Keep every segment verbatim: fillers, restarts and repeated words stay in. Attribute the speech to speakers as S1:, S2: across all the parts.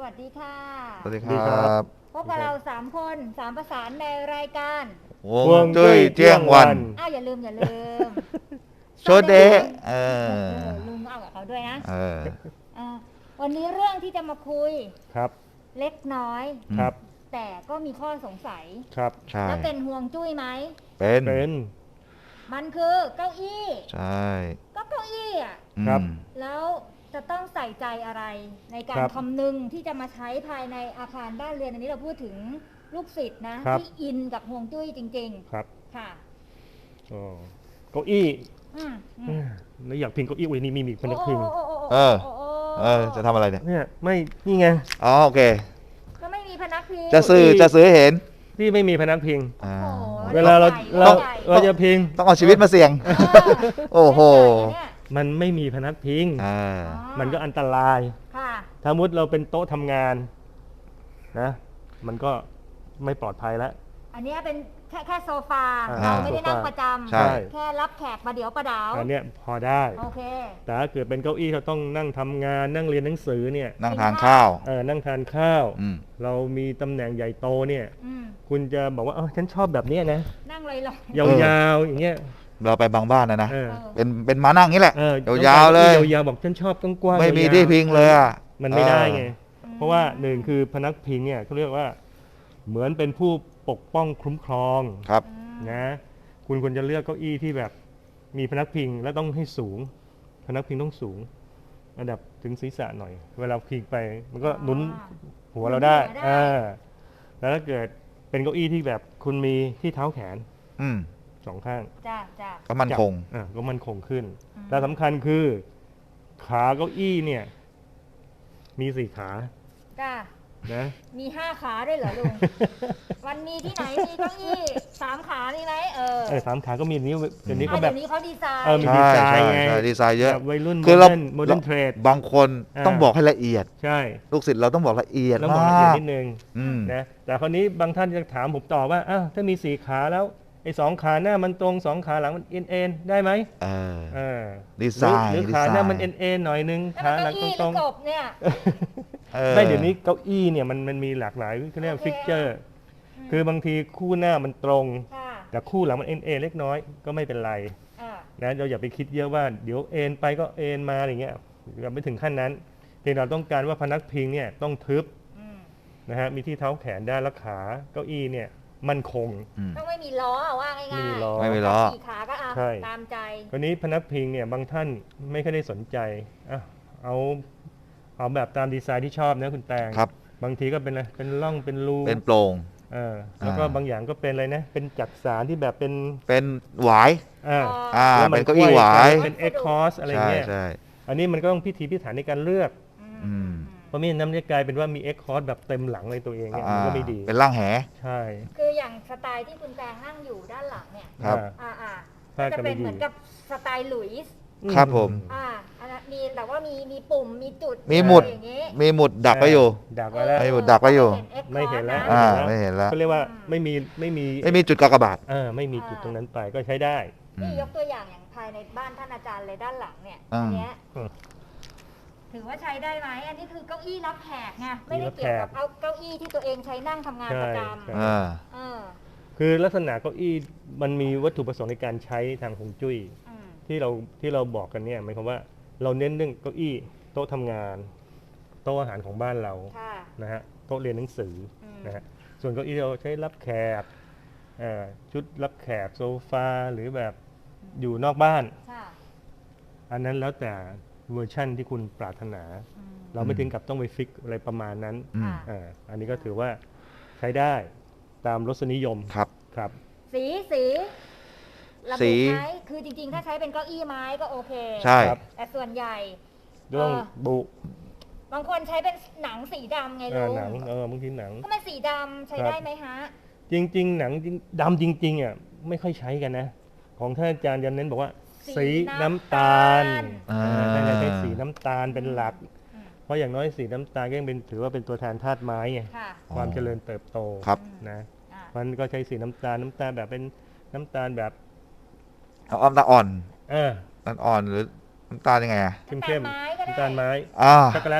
S1: วัสดีค่ะ
S2: สวัสดีครับ
S1: พบกับเราสามคนสามประสานในรายการ
S2: วงจุ้ยเที่ยงวัน
S1: อ้าวอย่าลืมอย่าลืม
S2: โชเดะเออ
S1: ลุงเอากับเขาด้วยนะ
S2: เออ
S1: วันนี้เรื่องที่จะมาคุย
S3: ครับ
S1: เล็กน้อย
S3: ครับ
S1: แต่ก็มีข้อสงสัย
S3: ครับ
S2: ใช่
S1: แล้วเป็นห่วงจุ้ยไหม
S2: เป็น
S3: เป็น
S1: มันคือเก้าอี้
S2: ใช่
S1: ก็เก้าอี้อ่ะ
S3: ครับ
S1: แล้วจะต้องใส่ใจอะไรในการคำนึงที่จะมาใช้ภายในอาคารบ้านเรือนอันนี้เราพูดถึงลูกศิษย์นะที่อินกับห่วงจุ้ยจริงๆ
S3: ครับ
S1: ค่ะ
S3: อ๋อเก้าอี้
S1: อืม
S3: แล้วอยากพิงเก้าอี้อุ้ยนี่มีมีพนักพิง
S2: เออเออจะทำอะไรเนี่ย
S3: เนี่ยไม่นี่ไง
S2: อ๋อโอเค
S1: ก็ไม่มีพนักพิง
S2: จะซื้อจะซื้อเห็น
S3: ที่ไม่มีพนักพิง
S1: เว
S3: ลาเราเราเราจะพิง
S2: ต้องเอาชีวิตมาเสี่ยงโอ้โห
S3: มันไม่มีพนักพิงมันก็อันตรายถ้ามุดเราเป็นโต๊ะทำงานนะมันก็ไม่ปลอดภัยแล้ว
S1: อันนี้เป็นแค่แค่โซฟาเราไม่ได้นั่งประจำแค่รับแขกมาเดี๋ยวประดาว
S3: อันนี้พอได้
S1: โอเค
S3: แต่ถ้าเกิดเป็นเก้าอี้เขาต้องนั่งทำงานนั่งเรียนหนังสือเนี่ย
S2: นั่งทานข้าว
S3: เออนั่งทานข้าวเรามีตำแหน่งใหญ่โตเนี่ยคุณจะบอกว่าเออฉันชอบแบบนี้นะ
S1: นั่งลอย
S3: ๆยาวๆอย่างเงี้ย
S2: เราไปบางบ้านนะนะเป็นเป็นมานั่งนี่แหละยาวๆเลย
S3: ยาวๆบอกฉันชอบกว้างๆ
S2: ไม่มีที่พิงเลยอ่ะ
S3: มันไม่ได้ไงเพราะว่าหนึ่งคือพนักพิงเนี่ยเขาเรียกว่าเหมือนเป็นผู้ปกป้องคุ้มครอง
S2: ครับ
S3: นะคุณควรจะเลือกเก้าอี้ที่แบบมีพนักพิงและต้องให้สูงพนักพิงต้องสูงระดับถึงศีรษะหน่อยเวลาพิงไปมันก็หนุนหัวเราได้อ่าแล้วถ้าเกิดเป็นเก้าอี้ที่แบบคุณมีที่เท้าแขน
S2: อืม
S3: สองข้าง
S1: จ้าจ้า
S2: ก็มั่นคง
S3: อ่าก็มั่นคงขึ้นและสำคัญคือขาเก้าอี้เนี่ยมีสี่ขา
S1: จ้า
S3: นะ
S1: มีห้าขาด้วยเหรอลุงวันมีที่ไหนมีเก้าอี้สามขามีไหมเออ
S3: เออสามขาก็มีนี้เดี๋ยวนี้ก็
S1: แบบนี้เขาดีไซน์
S3: เออมีดีไซน์ไง
S2: ดีไซน์เยอะ
S3: วัยรุ่นคือเราโมเดิร์นเทรด
S2: บางคนต้องบอกให้ละเอียด
S3: ใช่
S2: ลูกศิษย์เราต้องบอกละเอียด
S3: ต้องบอกละเอียดนิดนึงนะแต่คราวนี้บางท่านจะถามผมต่อว่าอ้าวถ้ามีสี่ขาแล้วไอ้สองขาหน้ามันตรงสองขาหลังมันเอ็นเอ็นได้ไหม
S2: เออ
S3: เออ
S2: ดีไซน์
S3: หรือขาหน้ามันเอ็นเอ็นหน่อยนึงขาหลังตรงตรง
S1: เนี่ย
S3: ไม่เดี๋ยวนี้เก้าอี้เนี่ยมันมันมีหลากหลายเขาเรียกฟิกเจอร์คือบางทีคู่หน้ามันตรงแต่คู่หลังมันเอ็นเอ็นเล็กน้อยก็ไม่เป็นไรนะเราอย่าไปคิดเยอะว่าเดี๋ยวเอ็นไปก็เอ็นมาอย่างเงี้ยเราไม่ถึงขั้นนั้นเพียงเราต้องการว่าพนักพิงเนี่ยต้องทึบนะฮะมีที่เท้าแขนได้และขาเก้าอี้เนี่ยมั่นคง
S1: ต้องไม่มีล้อว่าง่ายๆไม่
S2: มีล้อไม่มีล้อ
S1: สี่ขาก็เอาตามใจ
S3: คราวนี้พนักพิงเนี่ยบางท่านไม่ค่อยได้สนใจอ่ะเอาเอาแบบตามดีไซน์ที่ชอบนะคุณแตง
S2: ครับ
S3: บางทีก็เป็นอะไรเป็นร่องเป็นรู
S2: เป็นโปร่ง
S3: เออแล้วก็บางอย่างก็เป็นอะไรนะเป็นจักสานที่แบบเป็น
S2: เป็นหวาย
S3: อ่า
S2: อ่าเป็นเก้าอี้หวาย
S3: เป็นเอ็กคอร์สอะไรเงี้ย
S2: ใช่
S3: อันนี้มันก็ต้องพิถีพิถันในการเลือกเพราะมีน้ำจะกลายเป็นว่ามีเอ็กคอร์สแบบเต็มหลังในตัวเองเนี่ยมันก็ไม่ดี
S2: เป็นร่างแห
S3: ใช่
S1: คืออย่างสไตล์ที่คุณแตงนั่งอยู่ด้านหลังเนี่ย
S2: ครับ
S1: อ่าอ่าจะเป็นเหมือนกับสไตล์หลุยส์
S2: ครับผม
S1: อ่าอันนั้นมีแต่ว่ามีมีปุ่มมีจุด
S2: มีหมุดมีหมุดดักไว้อยู่
S3: ดักไว้แล้ว
S2: มีหมุดดักไว้อยู่
S3: ไม่เห็นแล้ว
S2: อ่าไม่เห็นแล้ว
S3: ก็เรียกว่าไม่มีไม่มี
S2: ไม่มีจุดกากบาท
S3: เออไม่มีจุดตรงนั้นไปก็ใช้ได้
S1: นี่ยกตัวอย่างอย่างภายในบ้านท่านอาจารย์เลยด้านหลังเนี่ยอันเนี้ยถือว่าใช้ได้ไหมอันนี้คือเก้าอี้รับแขกไงไม่ได้เกี่ยวกับเอาเก้าอี้ที่ตัวเองใช้นั่งทำงานประจำ
S3: คือลักษณะเก้าอี้มันมีวัตถุประสงค์ในการใช้ทางฮวงจุ้ยที่เราที่เราบอกกันเนี่ยหมายความว่าเราเน้นเรื่องเก้าอี้โต๊ะทำงานโต๊ะอาหารของบ้านเรานะฮะโต๊ะเรียนหนังสือนะฮะส่วนเก้าอี้เราใช้รับแขกชุดรับแขกโซฟาหรือแบบอยู่นอกบ้านอันนั้นแล้วแต่เวอร์ชั่นที่คุณปรารถนาเราไม่ถึงกับต้องไปฟิกอะไรประมาณนั้นอันนี้ก็ถือว่าใช้ได้ตามรสนิยม
S2: ครับ
S3: ครับ
S1: สีสีระบุไหมคือจริงๆถ้าใช้เป็นเก้าอี้ไม้ก็โอเค
S2: ใช่
S1: แต่ส่วนใหญ่
S3: เรื่องบุ
S1: บางคนใช้เป็นหนังสีดำไงลุง
S3: หนังเออบางทีหนัง
S1: ก็มันสีดำใช้ได้ไหมฮะ
S3: จริงๆหนังดำจริงๆอ่ะไม่ค่อยใช้กันนะของท่านอาจารย์ยันเน้นบอกว่าสีน้ำตาลแต่ใช้สีน้ำตาลเป็นหลักเพราะอย่างน้อยสีน้ำตาลก็ยังเป็นถือว่าเป็นตัวแทนธาตุไม้ไงความเจริญเติบโตนะมันก็ใช้สีน้ำตาลน้ำตาลแบบเป็นน้ำตาลแบบ
S2: เอาน้ำตาลอ่อน
S3: เออ
S2: น้ำตาลอ่อนหรือน้ำตาลยังไงอะ
S3: เข้มๆน้ำตาลไม้ช็อกโกแลต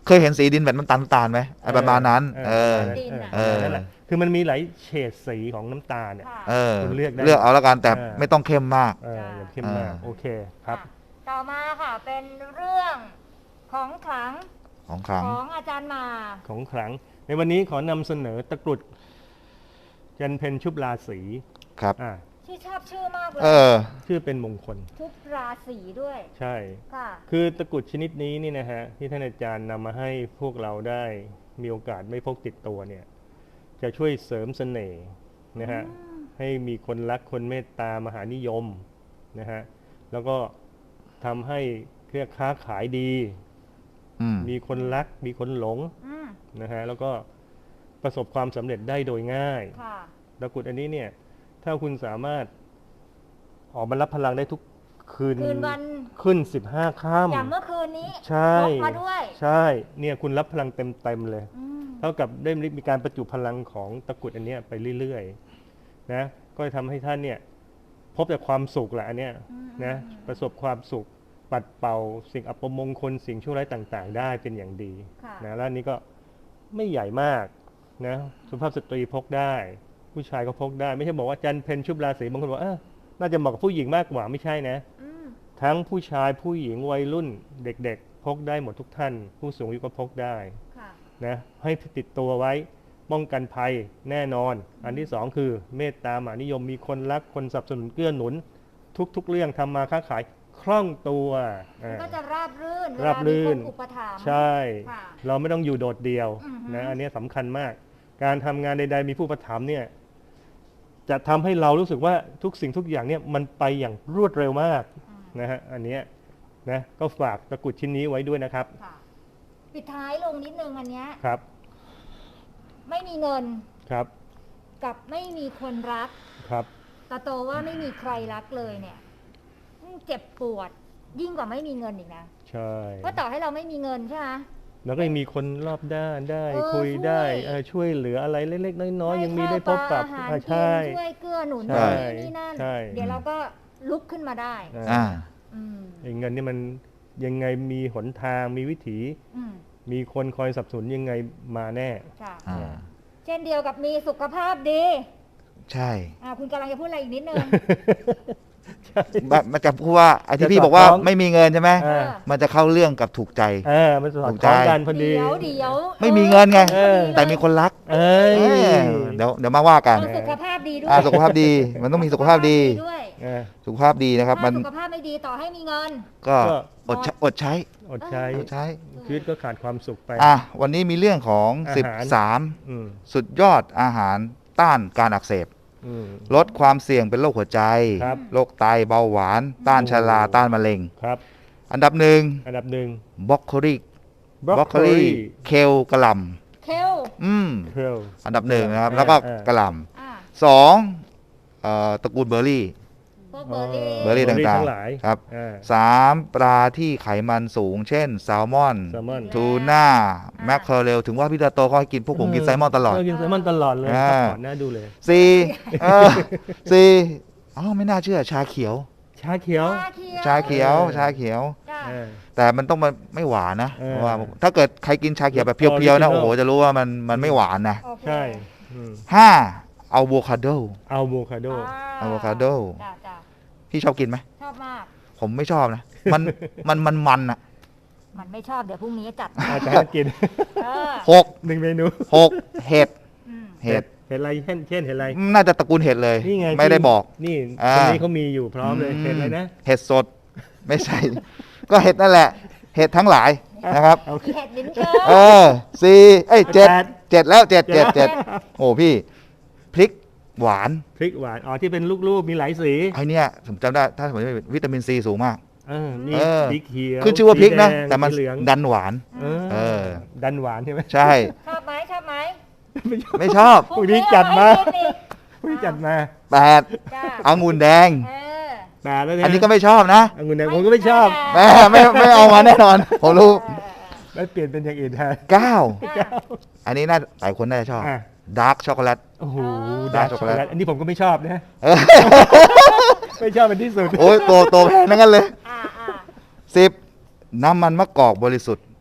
S2: เคยเห็นสีดินแบบน้ำตาลน้ำตาลไหมไอ้ประมาณนั้น เออ
S1: ดินอะ
S2: เออ
S3: นั่นแหละคือมันมีหลายเฉดสีของน้ำตาลเนี่ย
S1: ค่ะ
S2: เออ
S3: คุณเลือกได้
S2: เลือกเอาแล้วกันแต่
S3: เออ
S2: ไม่ต้องเข้มมาก
S3: เอออย่าเข้มมาก
S2: อ่า
S3: โอเคครับ
S1: อ่ะต่อมาค่ะเป็นเรื่องของขลัง
S2: ของขลัง
S1: ของอาจารย์มา
S3: ของขลัง ในวันนี้ขอนำเสนอตะกรุดจันเพนชุบราศี
S2: ครับ
S3: อ่า
S1: ที่ชอบชื่อมากเลย
S2: เออ
S3: ชื่อเป็นมงคล
S1: ทุกราศีด้วย
S3: ใช่
S1: ค่ะ
S3: คือตะกรุดชนิดนี้นี่นะฮะที่ท่านอาจารย์นำมาให้พวกเราได้มีโอกาสไม่พกติดตัวเนี่ยจะช่วยเสริมเสน่ห์นะฮะให้มีคนรักคนเมตตามหานิยมนะฮะแล้วก็ทำให้เครือค้าขายดี
S2: อืม
S3: มีคนรักมีคนหลง
S1: อืม
S3: นะฮะแล้วก็ประสบความสำเร็จได้โดยง่าย
S1: ค่ะ
S3: ตะกรุดอันนี้เนี่ยถ้าคุณสามารถออกมารับพลังได้ทุกคืน
S1: คืนวัน
S3: ขึ้นสิบห้าค่ำ
S1: อย่างเมื่อคืนนี้
S3: ใช่
S1: พกมาด้วย
S3: ใช่เนี่ยคุณรับพลังเต็มๆเลย
S1: อืม
S3: เท่ากับได้มีการประจุพลังของตะกรุดอันเนี้ยไปเรื่อยๆนะก็จะทำให้ท่านเนี่ยพบแต่ความสุขแหละอันเนี้ยนะประสบความสุขปัดเป่าสิ่งอัปมงคลสิ่งชั่วร้ายต่างๆ ได้เป็นอย่างดี
S1: ค่ะ
S3: นะแล้วอันนี้ก็ไม่ใหญ่มากนะสุภาพสตรีพกได้ ผู้ชายก็พกได้ ไม่ใช่บอกว่าจันเพนชุบราศีบางคนบอกเออน่าจะเหมาะกับผู้หญิงมากกว่าไม่ใช่นะ
S1: อืม
S3: ทั้งผู้ชายผู้หญิงวัยรุ่นเด็กๆ พกได้หมดทุกท่าน ผู้สูงอายุก็พกได้
S1: ค่ะ
S3: นะให้ติดตัวไว้ป้องกันภัยแน่นอน อันที่สองคือเมตตามหานิยมมีคนรักคนสนับสนุนเกื้อหนุน ทุกๆเรื่องทำมาค้าขายคล่องตัวอ่า
S1: ก็จะราบรื่น
S3: ราบรื่น
S1: เวลามีคนอุปถัมภ์
S3: ใช่
S1: ค่ะ
S3: เราไม่ต้องอยู่โดดเดี่ยว
S1: อือฮึ
S3: นะอันนี้สำคัญมาก การทำงานใดๆมีผู้อุประถมภ์เนี่ยจะทำให้เรารู้สึกว่าทุกสิ่งทุกอย่างเนี่ยมันไปอย่างรวดเร็วมาก
S1: อืม
S3: นะฮะอันเนี้ยนะก็ฝากตะกรุดชิ้นนี้ไว้ด้วยนะครับ
S1: ค่ะ ปิดท้ายลงนิดนึงอันเนี้ย
S3: ครับ
S1: ไม่มีเงิน
S3: ครับ
S1: กับไม่มีคนรัก
S3: ครับ
S1: ตาโตว่าไม่มีใครรักเลยเนี่ยเจ็บปวด ยิ่งกว่าไม่มีเงินอีกนะ
S3: ใช่
S1: เพราะต่อให้เราไม่มีเงินใช่ไหม
S3: แล้วก็ยังมีคนรอบด้านได้
S1: เออ
S3: คุย
S1: ช่วย
S3: ได้เออช่วยเหลืออะไรเล็กๆน้อยๆยังมีได้พบกับ
S1: ให้ข้าวปลาอาหาร
S3: อ่า
S1: กิ
S3: ใช่
S1: นช่วยเกื้อหนุน
S3: ใช่
S1: นี่นี่นั่น
S3: ใช่
S1: เดี๋ยวเราก็ลุกขึ้นมาได้
S3: อ่า
S2: อ่า
S1: อืม
S3: ไอ้เงินนี่มันยังไงมีหนทางมีวิถี
S1: อืม
S3: มีคนคอยสนับสนุนยังไงมาแน่
S1: ค่ะ
S2: อ่า
S1: เช่นเดียวกับมีสุขภาพดี
S2: ใช่
S1: อ่าคุณกำลังจะพูดอะไรอีกนิดนึง
S3: ใช่
S2: แบบมันจะพูดว่าไอ้ที่พี่
S3: จะสอด
S2: บอกว่า
S3: คล้อง
S2: ไม่มีเงินใช่ไหม
S3: เออ
S2: มันจะเข้าเรื่องกับถูกใจ
S3: เออมันสอด
S2: ถูก
S3: คล้อง
S2: ใจ
S3: กันพอดี
S1: เดี๋ยวเดี๋ยว
S2: ไม่มีเงินไง
S1: ออพอดีเลย
S2: แต่มีคนรัก
S3: เอ้ย
S2: เออเดี๋ยวเดี๋ยวมาว่ากัน
S1: ต้องสุขภาพดีด้วย
S2: อ่าสุขภาพดี มันต้องมีสุขภาพดี
S1: ด้วย
S3: เออ
S2: สุขภาพดีนะครับ มั
S1: ถ้าน สุขภาพไม่ดีต่อให้มีเงิน
S2: ก็
S3: ก็
S2: อดใช้อดใช้
S3: อดใช้
S2: อดใช้
S3: ชีวิตก็ขาดความสุขไป
S2: อ่ะวันนี้มีเรื่องของ
S3: อาหาร
S2: สิบสาม
S3: อืม
S2: สุดยอดอาหารต้านการอักเสบ
S3: อืม
S2: ลดความเสี่ยงเป็นโรคหัวใจ
S3: ครับ
S2: โรคไตเบาหวาน ต้านชราต้านมะเร็ง
S3: ครับ
S2: อันดับหนึ่ง
S3: อันดับหนึ่ง
S2: บรอกโคลีบรอกโคลีเคลกระหล
S1: เคล
S2: ำอืม
S3: เคล
S2: อันดับหนึ่งนะครับ
S3: เออ
S2: แล้วก็
S3: เออ
S2: กระหล
S1: อ่า
S2: ำสองเอ่อตระกูลเบอร์รี่
S1: พวกเบอร์รี่
S2: เบอร์รี่ ต่างๆ
S3: ทั้งหลาย
S2: ครับ
S3: อ่า
S2: สามปลาที่ไขมันสูง เช่นแซลมอน
S3: แซลมอน
S2: ทูน่าแมคเคอเรลถึงว่าพี่ตาโตเขาให้กินพวกผมกินแซลมอนตลอด
S3: เกินแซลมอนตลอดเลย
S2: อ่า
S3: ก่อนหน้าดูเลย
S2: สี่เออสี่อ๋อไม่น่าเชื่อชาเขียว
S3: ชาเขียว
S1: ชาเขียว
S2: ชาเขียว ชาเขียว
S1: จ้ะ
S3: เออ
S2: แต่มันต้องมันไม่หวานนะ
S3: เออ
S2: เพราะว่าถ้าเกิดใครกินชาเขียวแบบเพียวๆนะ
S3: Original
S2: โอ้โหจะรู้ว่ามันมันไม่หวานนะ
S1: โอเค
S3: ใช่อืม
S2: ห้าอะโวคาโด
S3: อัลโวคาโด
S2: อะโวคาโด
S1: จ้ะจ้ะ
S2: พี่ชอบกินไหม
S1: ชอบมาก
S2: ผมไม่ชอบนะ มันมันมันมันอ่ะ
S1: มันไม่ชอบเดี๋ยวพรุ่งนี้จัด
S3: อาจจะให้กิน
S1: เออ
S2: หก
S3: หนึ่งเมนู
S2: หกเห็ด
S1: อืม
S2: เห็ด
S3: เห็ดอะไรเช่นเช่นเห็ดอะไร
S2: น่าจะตระกูลเห็ดเลย
S3: นี่ไง
S2: ไม่ได้
S3: ที่
S2: บอก
S3: นี่
S2: อ่า
S3: คนนี้เขามีอยู่พร้อมเลยเห็ดอะไรนะ
S2: เห็ดสด ไม่ใช่ ก็เห็ดนั่นแหละ เห็ดทั้งหลายนะครับ
S3: โอเค
S1: เห็ดลิ้นเชิ
S2: เออสี่เอ้ยเจ็ด
S3: แปด
S2: เจ็ดแล้วเจ็ดเจ็ด
S3: เจ็
S2: เจ็
S3: ด
S2: ดโอ้พี่พริกหวาน
S3: พริกหวานอ๋อที่เป็นลูกๆมีหลายสี
S2: ไอเนี้ยผมจำได้ถ้าผมจำไม่ผิดวิตามินซีสูงมาก
S3: เออมี
S2: เออ
S3: สีเขียว
S2: ขึ้นชื่อว่าพริกนะ
S3: สีดง
S2: แต่มัน
S3: สีเหลือง
S2: ดันหวาน
S3: เออ
S2: เออ
S3: ดันหวานใช่ไหม
S2: ใช่
S1: ชอบไหมชอบไหม
S2: ไม่ชอบ
S3: พรุ่งนี้จัดมา
S1: พรุ่งนี้
S3: พรุ่งนี้จัดมา
S2: แปด
S1: จ้ะ
S2: องุ่นแดง
S1: เออ
S3: แปดแล้วเนี่ย
S2: อันนี้ก็ไม่ชอบนะ
S3: องุ่นแดงผมก็ไม่ชอบ
S2: แม่ไม่ไม่เอามาแน่นอน ผมรู้
S3: ไม่เปลี่ยนเป็นอย่างอื่นแทน
S2: เก้า
S1: จ้ะ
S2: อันนี้น่าหลายคนน่าจะชอบ
S3: อ่ะ
S2: ดาร์กช็อกโกแลต
S3: โอ้โห
S2: ดา
S3: ดา
S2: ร์
S3: ร์
S2: ก
S3: ก
S2: ช็
S3: ช็
S2: อ
S3: อก ก
S2: โกแลต
S3: โกแลตอันนี้ผมก็ไม่ชอบนะ
S2: เออ
S3: ไม่ชอบเป็นที่สุด
S2: โอ้ยตัวตัวแพงทั้งนั้นเลย
S1: อ่าอ่า
S2: สิบน้ำมันมะกอกบริสุทธิ์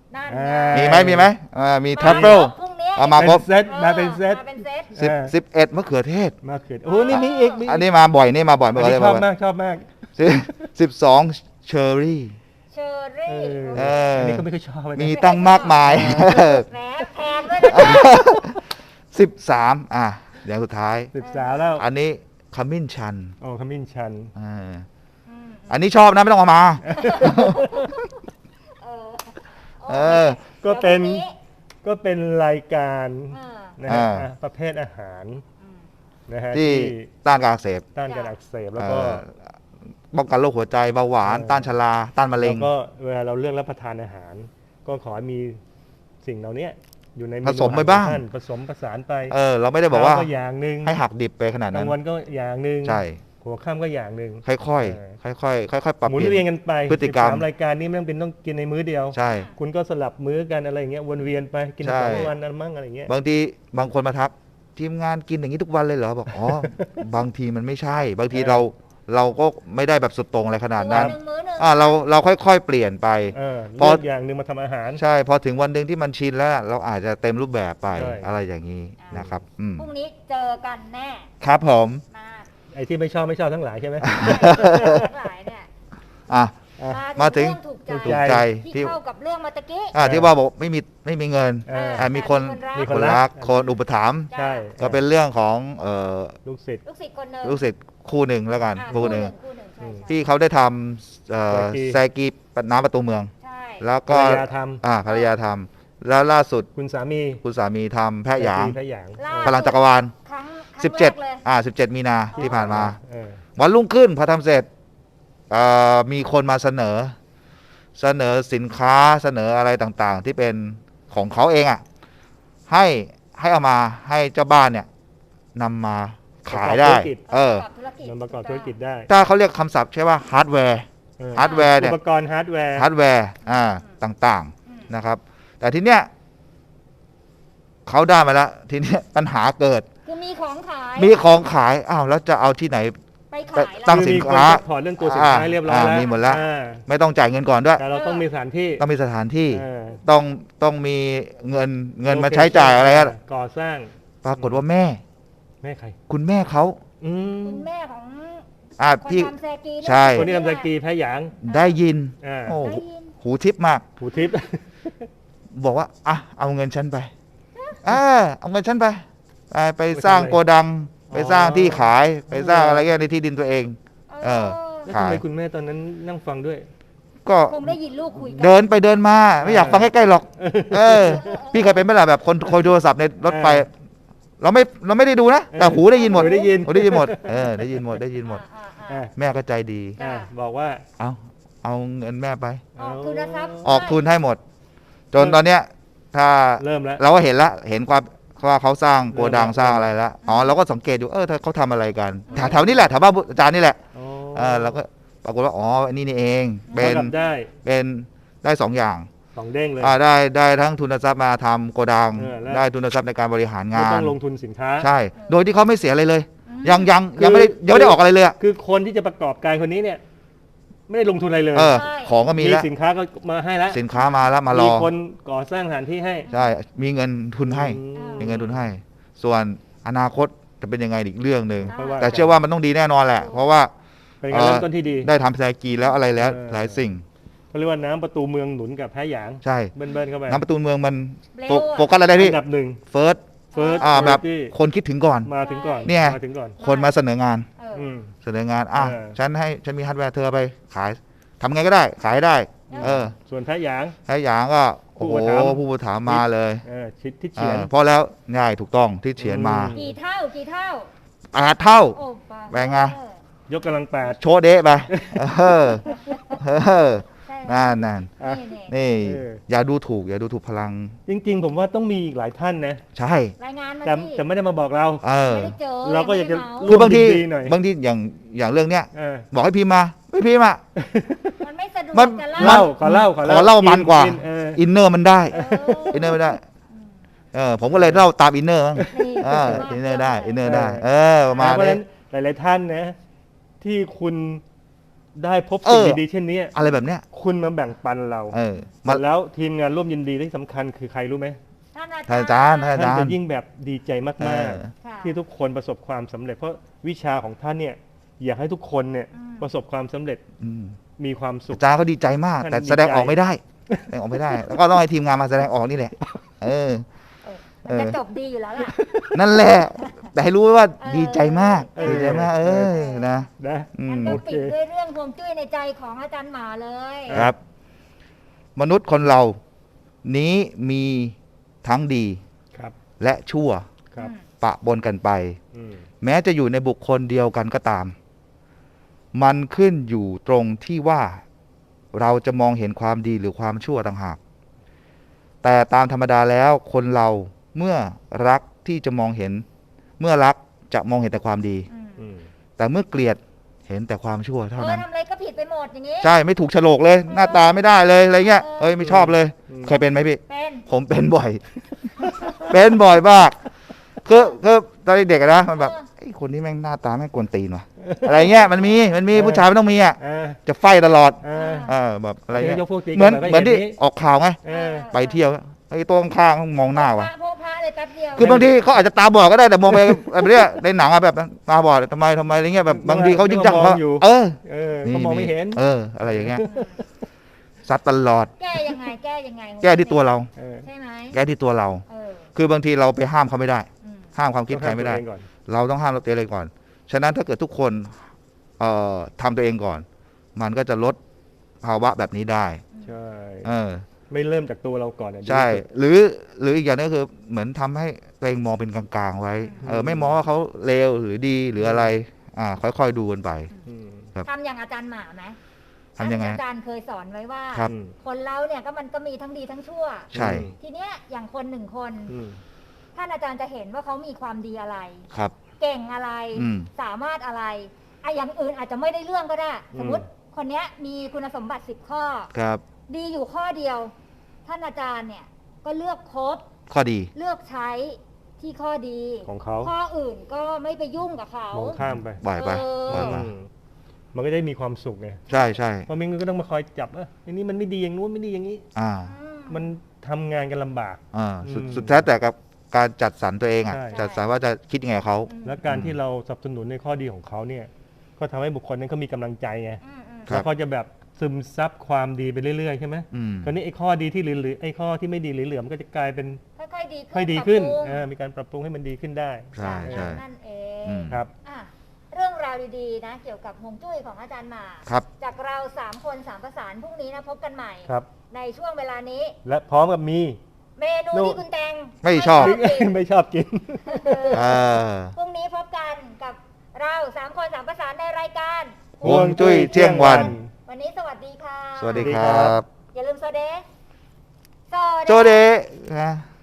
S1: นั่น
S3: อ่า
S1: ไง
S2: มีไหมมีไหมอ่ามี
S1: มา
S2: ทัฟเฟิล
S1: พรุ่งนี้
S2: เอามา
S3: เป็นเซตมาเป็นเซต
S1: มาเป็นเซต
S2: สิบ
S3: เออ
S2: สิบเอ็ดมะเขือเทศ
S3: มาเขือโอ้นี่มีอีกมี
S2: อันนี้มาบ่อยนี่มาบ่อย
S3: อัน
S2: เมื่อ
S3: นี้
S2: กี้
S3: ชอบ
S2: บ่อย
S3: มากชอบมาก
S2: สิบสิบสองเชอร์รี่
S1: เชอร์รี่
S3: เออ
S2: เออ
S3: อันนี้ก็ไม่ค่อยชอบเลยนะ
S2: มีตั้งมากมาย
S1: แหมแพงด้วยนะจ๊ะ
S2: สิบสามอ่ะอย่างสุดท้าย
S3: สิบสาวแล้ว
S2: อันนี้ขมิ้นชัน
S3: โอ้ขมิ้นชัน
S2: อ่า
S1: อืม
S2: อันนี้ชอบนะไม่ต้องเอามา
S1: เออ
S2: เออ
S3: ก็เป็น
S1: ดี๋ยวพรุ่ง
S3: ก็เป็นรายการ
S1: เออ
S3: นะฮะ
S2: อ่า
S3: อ่ะประเภทอาหาร
S1: อืม
S3: นะฮะ
S2: ที่
S3: ที่
S2: ต้านการอักเสบ
S3: ต้านการอักเสบแล้ว
S2: เอ่
S3: ก็
S2: อป้องกันโรคหัวใจเบาหวาน
S3: เออ
S2: ต้านชราต้านมะเร็
S3: แล้
S2: ง
S3: วก็เวลาเราเลือกรับประทานอาหาร ก็ขอให้มีสิ่งเหล่านี้อยู่ในเนู
S2: ผสมไปบ้าง
S3: อหรของท่นผสมผสานไป
S2: เออ เราไม่ได้บอกว่า
S3: เช้ก็อย่างหนึ่ง
S2: ให้หักดิบไปขนาด
S3: ก
S2: นั้
S3: ลาน งวันก็อย่างหนึ่ง
S2: ใช่
S3: หัวค่ำก็อย่างหนึ่ง
S2: ค่อย
S3: เออ
S2: ๆค่อยๆค่อยๆปรับ
S3: หมุน
S2: เปลี่
S3: เวียน
S2: ยน
S3: กันไป
S2: พฤติกรรม
S3: สิบสามรายการนี้ไม่ต้องเป็นต้องกินในมื้อเดียว
S2: ใช่
S3: คุณก็สลับมื้อกันอะไรอย่างเงี้ยวนเวียนไปกิน
S2: ใช่
S3: สองวันนั้นมั่งอะไรอย่างเงี้ย
S2: บางทีบางคนมาทักทีมงานกินอย่างนี้ทุกวันเลยเหรอบอกอ๋อ บางทีมันไม่ใช่ บางทีเราเราก็ไม่ได้แบบสุดโตรงอะไรขนาดนั้น
S1: มื้อหนึ่งมื้อหนึ่ง
S2: อ่าเราเราค่อยๆเปลี่ยนไป
S3: เออ
S2: พอ
S3: เลือกอย่างหนึ่งมาทำอาหาร
S2: ใช่พอถึงวันหนึ่งที่มันชินแล้วเราอาจจะเต็มรูปแบบไป
S3: ใช่
S2: อะไรอย่างนี้นะครับอืม
S1: พรุ่งนี้เจอกันแน่
S2: ครับผม
S1: มา
S3: ไอ้ที่ไม่ชอบไม่ชอบทั้งหลายใช่ไหม
S1: ทั้งหลายเนี่ย
S2: อ่ะ
S3: อ่ะ
S2: มาถึง
S1: เรื่องถูกใจ
S2: ถูกใจ
S1: ที่
S2: ที่
S1: เข้ากับเรื่องเมื่อตะกี้
S2: อ่าที่ว่าบอกไม่มีไม่มีเงิน
S3: เออ
S2: อ่ะมีคน
S1: มี
S2: คนรักคนอุปถัมภ์
S3: ใช่
S2: ก็เป็นเรื่องของเอ่อ
S3: ลูกศิษย์
S1: ลูกศิษย์คนหนึ่ง
S2: ลูกศิษย์คู่หนึ่งแล้วกัน
S1: อ่า
S2: คู่หนึ่ง
S1: คู่หนึ่งใช่ใช่
S2: ที่เขาได้ทำเอ่อ
S3: แซกี
S2: แซกีน้ำประตูเมือง
S1: ใช่
S2: แล้ว
S3: ภร
S2: ก็
S3: รยาท
S2: อ่าภรรยาทำแล้วล่าสุด
S3: ำคุณสามี
S2: คุณสามีทำแพะหยาง
S3: แพะหยาง
S1: ล่า
S2: พลังจักรวาล
S1: ครั้งครั้ง
S2: สิบเจ็ด
S1: แรกเลย
S2: อ่าสิบเจ็ดมีนา
S1: อ๋อ
S2: ที่ผ่านมา
S3: เออ
S2: วันรุ่งขึ้นพอทำเสร็จเอ่อมีคนมาเสนอ เสนอสินค้าเสนออะไรต่างๆ ที่เป็นของเขาเองอ่ะให้ให้เอามาให้เจ้าบ้านเนี่ยนำมาขายได้
S3: ประกอบธุรกิจ
S2: เออ
S1: ประกอบธุรกิจ
S3: นำประกอบธุรกิจได้
S2: ถ้าเขาเรียกคำศัพท์ใช่ว่าฮาร์ดแวร์
S3: เออ
S2: ฮาร์ดแวร์
S3: อุ
S2: เนี่ย
S3: ปกรณ์ฮาร์ดแวร์
S2: ฮาร์ดแวร์อ่าต่าง
S1: อืม
S2: ๆนะครับ แต่ทีเนี้ยเขาได้มาแล้วทีเนี้ยปัญหาเกิด
S1: คือมีของขาย
S2: มีของขายอ้าวแล้วจะเอาที่ไหน
S1: ไปขาย
S2: ตั้
S1: แล้ว
S2: ง สิน
S3: มี
S2: ค้า
S3: ซัพพอร์ตเรื่องตัวสินค้า
S2: อ่า
S3: เรียบร้อย
S2: อ่า
S3: แล้ว
S2: มีหมดแล้ว
S3: อ่า
S2: ไม่ต้องจ่ายเงินก่อนด้วย
S3: แต่เราต้องมีสถานที่
S2: ต้องมีสถานที่
S3: เออ
S2: ต้องต้องมีเงินเงินมาใช้จ่ายอะไรอะ
S3: ก่อสร้าง
S2: ปรากฏว่าแม่
S3: แม่ใคร
S2: คุณแม่เขา
S3: อืม
S1: คุณแม่ของ
S2: อ่า
S1: คน
S2: พี่
S1: ทำแซกีเนี่ย
S2: ใช่
S3: คนที่ทำสกีแพ้หยาง
S2: ได้ยิน
S3: อ่า
S2: โอ้
S1: ได้ยิน
S2: หูทิพย์มาก
S3: หูทิพย์
S2: บอกว่าอ่ะเอาเงินฉันไปอ่าเอาเงินฉันไปไปไปสร้างโกดัง ไปสร้างที่ขาย ไปสร้างอะไรเงี้ยในที่ดินตัวเอง เออ
S3: แล้ว
S2: ขา
S3: ทำ
S2: ย
S3: ไมคุณแม่ตอนนั้นนั่งฟังด้วย
S2: ก็
S1: คงได้ยินลูกคุยกั
S2: เดินไปเดินมา ไม่อยากฟังใกล้ๆหรอก เออ พี่เคยเป็นไหมล่ะแบบคนคอยโทรศัพท์ในรถไฟ เราไม่เราไม่ได้ดูนะ แต่หูได้ยินหมด
S3: หูได้ยิน
S2: หูได้ยินหมดเออได้ยินหมดได้ยินหมด
S1: อ่าอ่า
S3: อ่า
S1: อ่า
S2: แม่ก็ใจดี
S3: อ่าบอกว่า
S2: เอาเอาเงินแม่ไป
S1: ออกทุนทรัพย์
S2: ออกทุนให้หมด จนตอนเนี้ย ถ้า
S3: เริ่มแล้ว
S2: เราก็เห็นละเห็นความว่าเขาสร้างโกดัง
S3: เริ่มละ
S2: สร้างอะไรแล้วอ๋อเราก็สังเกตอยู่เออถ้าเขาทำอะไรกันแถวแถวนี้แหละแถวบ้านอาจารย์นี่แหละ
S3: อ๋อ
S2: เออเราก็ปรากฏว่าอ๋ออันนี้นี่เอง เป็
S3: เท่าน กับได้
S2: เป็นได้สองอย่าง
S3: สองเด้งเลย
S2: อ่าได้ได้ทั้งทุนทรัพย์มาทำโกดัง
S3: เออแล้ว
S2: ได้ทุนทรัพย์ในการบริหารงา
S3: ไม่ต้
S2: น
S3: องลงทุนสินค้า
S2: ใช่ โดยที่เขาไม่เสียอะไรเลย
S1: อืม
S2: ยังยัง
S3: คือ
S2: ยังไม่ได้ยังไม่ได้ออกอะไรเลยอะ
S3: คือคนที่จะประกอบการคนนี้เนี่ย ไม่ได้ลงทุนอะไรเลย
S2: เออ ของก็มีแล้ว
S3: สินค้าก็มาให้แล้ว
S2: สินค้ามาแล้วมารอ
S3: คนก่อสร้างสถานที่ให้
S2: ใช่ มีเงินทุนให้
S3: อืม
S2: มีเงินทุนให้ ส่วนอนาคตจะเป็นยังไงอีกเรื่องหนึ่ง
S3: ค่อยว่า
S2: แต่เชื่อว่ามันต้องดีแน่นอนแหละ เพราะว่า
S3: เป็นการเริ่มต้นที่ดี
S2: ได้ทำแซกีแล้วอะไรแล้ว
S3: เออ
S2: หลายสิ่ง
S3: เขาเรียกว่าน้ำประตูเมืองหนุนกับแพ้หยาง
S2: ใช่
S3: เบิ้ลๆเข้าไป
S2: น้ำประตูเมืองมัน
S1: เร็ว
S2: โฟ
S1: อะ
S2: โฟกัสอะไรได้พี่
S3: อันดับหนึ่ง
S2: เฟิร์ส
S3: เฟิร์ส
S2: อ่าแบบ
S3: ที่
S2: คนคิดถึงก่อน
S3: มาถึงก่อน
S2: เนี่ย
S3: มาถึงก่อน
S2: คนมาเสนองาน
S1: เอออ
S3: อืม
S2: เสนองาน อ่ะ
S3: เออ
S2: ฉันให้ฉันมีฮาร์ดแวร์เธอไปขายทำไงก็ได้ ขายได้ เออ
S3: ส่วนแพ้หยาง
S2: ให้หยางก็โอ้โห
S3: ผู้อุปถัมภ์
S2: ผู้บริถามมาเลย
S3: เออชิดที่เฉียน
S2: อ่าเพราะแล้วง่ายถูกต้องที่เฉียนมา
S3: อืม
S1: กี่เท่ากี่เท่า
S2: แปดเท่า
S1: โอ้ปา
S2: แบ่งไง
S1: เออย
S3: กกำลังแปด
S2: โชว์เดะไป เออเออ
S1: ใช่
S2: นั่นนั่น
S3: อ่ะ
S1: นี่นี่
S2: นี่
S3: เออ
S2: อย่าดูถูก อย่าดูถูกพลัง
S3: จริงๆ ผมว่าต้องมีอีกหลายท่านนะ
S2: ใช่
S1: รายงานมา
S3: แต่
S1: ที่
S3: แต่ไม่ได้มาบอกเรา
S2: เออ
S1: ไม่ได้เจอ
S3: เราก็อยากจะ
S1: ไม่ได้เม
S2: คือบางที
S3: ดีหน่อย
S2: บางทีอย่างอย่างเรื่องเนี้ย
S3: เออ
S2: บอกให้พิมพ์มา ไม่พิมพ์อ่ะ
S1: มันไม่สะดวก
S2: มัน
S1: จะ
S3: เล่า
S1: เล่า
S3: ขอเล่าขอ
S2: ขอเล่ามันกว่า
S3: อิเออ
S2: อินเนอร์มันได้
S1: เออ
S2: อินเนอร์ไม่ได้ เออ ผมก็เลยเล่าตามอินเนอร์มั้ง
S1: นี่
S2: เอออินเนอร์ได้ อินเนอร์ได้ เออประ
S3: เพ
S2: มาณ
S3: ราะฉะ
S2: นี้
S3: นั้นหลายๆท่านนะ ที่คุณได้พบสิ่ง
S2: เออ
S3: ดีๆเช่นนี้
S2: อะไรแบบเนี้ย
S3: คุณมาแบ่งปันเรา
S2: เออมา
S3: แล้วทีมงานร่วมยินดีที่สำคัญคือใครรู้ไหม
S1: ท่านอา
S2: ท่านอา
S1: จา
S2: จาร
S1: ร
S2: ย์
S1: ย์
S2: ท่านอา
S3: ท่าน
S2: จาร
S3: จะ
S2: ย์
S3: ยิ่งแบบดีใจมาก
S2: เออ
S1: ค่ะ
S3: ๆ ที่ทุกคนประสบความสำเร็จ เพราะวิชาของท่านเนี่ยอยากให้ทุกคนเนี่ย
S1: อืม
S3: ประสบความสำเร็จ
S2: อืม
S3: มีความสุข
S2: อาจารย์เขาดีใจมาก
S3: ท่าน
S2: แต่
S3: ดี
S2: แสดง
S3: ใจ
S2: ออกไม่ได้แสดงออกไม่ได้ แล้วก็ต้องให้ทีมงานมาแสดงออกนี่แหละ เออ
S1: เออมันจะจบดีอยู่แล้วล่ะ
S2: นั่นแหละ แต่ให้รู้ไว้ว่า
S1: เออ
S2: ดีใจมาก
S3: เออ
S2: ดีใจมาก เออนะ
S3: นะ
S2: อื
S1: งั้น
S2: ม
S1: ก็
S3: โอ
S1: ปิ
S3: เค
S1: ดด้วยเรื่องฮวงจุ้ยในใจของอาจารย์หมาเลย
S2: ครับ มนุษย์คนเรานี้มีทั้งดี
S3: ครับ
S2: และชั่ว
S3: ครับ
S2: ปะปนกันไป
S3: อืม
S2: แม้จะอยู่ในบุคคลเดียวกันก็ตาม มันขึ้นอยู่ตรงที่ว่าเราจะมองเห็นความดีหรือความชั่วต่างหาก แต่ตามธรรมดาแล้วคนเราเมื่อรักที่จะมองเห็น เมื่อรักจะมองเห็นแต่ความดี
S1: อืม
S3: อืม
S2: แต่เมื่อเกลียดเห็นแต่ความชั่วเท่า
S1: เออ
S2: นั้น
S1: ทำอะไรก็ผิดไปหมดอย่างนี้
S2: ใช่ไม่ถูกโฉลกเลย หน้าตาไม่ได้เลยอะไรเงี้ยเอ้ยไม่ชอบเลย เคยเป็นไหมพี่
S1: เป็น
S2: ผมเป็นบ่อย เป็นบ่อยมากคือคือตอนเด็กๆอะนะมันแบบไอ้คนนี้แม่งหน้าตาแม่งกวนตีนว่ะอะไรเงี้ยมันมีมันมีผู้ชายมันต้องมีอ่ะ
S3: อ่า
S2: จะไฟตลอด
S3: อ่า
S2: เออแบบอะไรเงี้ย
S3: ยกพวกตี
S2: เหมือน
S3: กั
S2: เหมือนที่
S3: ก็ย่าง
S2: ออกข่าวไง
S3: เออ
S2: ไปเที่ยวไอ้ตัวข้างๆมองหน้า
S1: พ
S2: ว่ะ
S1: ระพวกพระเลยแป๊บเดียว
S2: คือบางทีเขาอาจจะตาบอดก็ได้แต่มองไปแบบเนี้ยในหนังอะแบบนั้นตาบอดทำไมทำไมอะไรเงี้ยแบบบางทีเขายิ่งจังเขาเออ
S3: เออเขามองไม่เห็น
S2: เออ อะไรอย่างเงี้ยซัดตลอด
S1: แก้ยังไงแก้ยังไง
S2: แก้ที่ตัวเรา
S3: เออ
S1: ใช่ไหม
S2: แก้ที่ตัวเรา
S1: เออ
S2: คือบางทีเราไปห้ามเขาไม่ได้
S1: อืม
S2: ห้ามความคิดใครไม่ได้
S3: ต้องห้ามตัวเองก่อน
S2: เราต้องห้ามเราตัวเองก่อน ฉะนั้นถ้าเกิดทุกคนเอ่อทำตัวเองก่อน มันก็จะลดภาวะแบบนี้ได้
S3: ใช่
S2: เออ
S3: ไม่เริ่มจากตัวเราก่อนอะ
S2: ใช่
S3: ดีที่สุด
S2: หรือหรืออีกอย่างนึงก็คือเหมือนทำให้ตัวเองมองเป็นกลางๆไว้ เออ ไม่มองว่าเขาเลวหรือดีหรืออะไร อ่า ค่อยๆดูกันไป
S3: อืม
S1: ทำอย่างอาจารย์หมาไหม
S2: ทำยังไง
S1: อาจารย์เคยสอนไว้ว่า
S2: ครับ
S1: คนเราเนี่ยก็มันก็มีทั้งดีทั้งชั่ว
S2: ใช่
S1: ทีเนี้ยอย่างคนหนึ่งคน
S3: อืม
S1: ท่านอาจารย์จะเห็นว่าเขามีความดีอะไร
S2: ครับ
S1: เก่งอะไร
S2: อืม
S1: สามารถอะไรไอะอย่างอื่นอาจจะไม่ได้เรื่องก็ได้ สมมติคนเนี้ยมีคุณสมบัติสิบข้อ
S2: ครับ
S1: ดีอยู่ข้อเดียว ท่านอาจารย์เนี่ยก็เลือกคบ
S2: ข้อดี
S1: เลือกใช้ที่ข้อดี
S3: ของเขา
S1: ข้ออื่นก็ไม่ไปยุ่งกับเขา
S3: มองข้ามไป
S2: ปล่อยไป
S1: เออ
S2: ปล่อยไป
S3: อืมมันก็ได้มีความสุขไง
S2: ใช่ใช่
S3: เพราะไมงันก็ต้องมาคอยจับเอออันนี้มันไม่ดีอย่างนู้นไม่ดีอย่างนี้
S2: อ่า
S1: อืม
S3: มันทำงานกันลำบาก
S2: อ่า สุด
S3: อืม
S2: สุดแท้แต่กับการจัดสรรตัวเองอ่ะ
S3: ใช่
S2: จัดสรรว่าจะคิดยังไงกับเขา
S1: อืม
S3: และการที่เราสนับสนุนในข้อดีของเขาเนี่ย ก็ทำให้บุคคลนั้นเขามีกำลังใจไง
S1: อืมอืม
S2: ครับ
S3: แล้วเขาจะแบบซึมซับความดีไปเรื่อยๆใช่ไหม
S2: อืม
S3: คราวนี้ไอ้ข้อดีที่เหลือๆไอ้ข้อที่ไม่ดีเหลือๆมันก็จะกลายเป็น
S1: ค่อยๆดีขึ้น
S3: ค่อยดีขึ้น
S1: ปรับปรุง
S3: เออมีการปรับปรุงให้มันดีขึ้นได้
S2: ใช่ใช่
S1: นั่นเอ
S2: อื
S1: ง
S2: ม
S3: ครับ
S1: อ่ะเรื่องราวดีๆนะ เกี่ยวกับฮวงจุ้ยของอาจารย์หมา
S2: ครับ
S1: จากเราสามคนสามประสานพรุ่งนี้นะพบกันใหม่
S3: ครับ
S1: ในช่วงเวลานี้
S3: และพร้อมกับมี
S1: เมนู
S3: โน่
S1: ที่คุณแตง
S2: ไม่ชอบ
S1: กิน
S3: ไม่ชอบกิน
S1: เออ
S2: เออ
S1: พรุ่งนี้พบกันกับเราสามคนสามประสานในรายการ
S2: ฮวงจุ้ยเที่ยงวัน
S1: วันนี้สวัสดีค่ะ
S2: สวัสดี
S3: สวัสดี
S2: ค
S3: ครั
S2: รับ
S3: บ
S1: อย่าลืมโซเด
S2: โจเดะนะ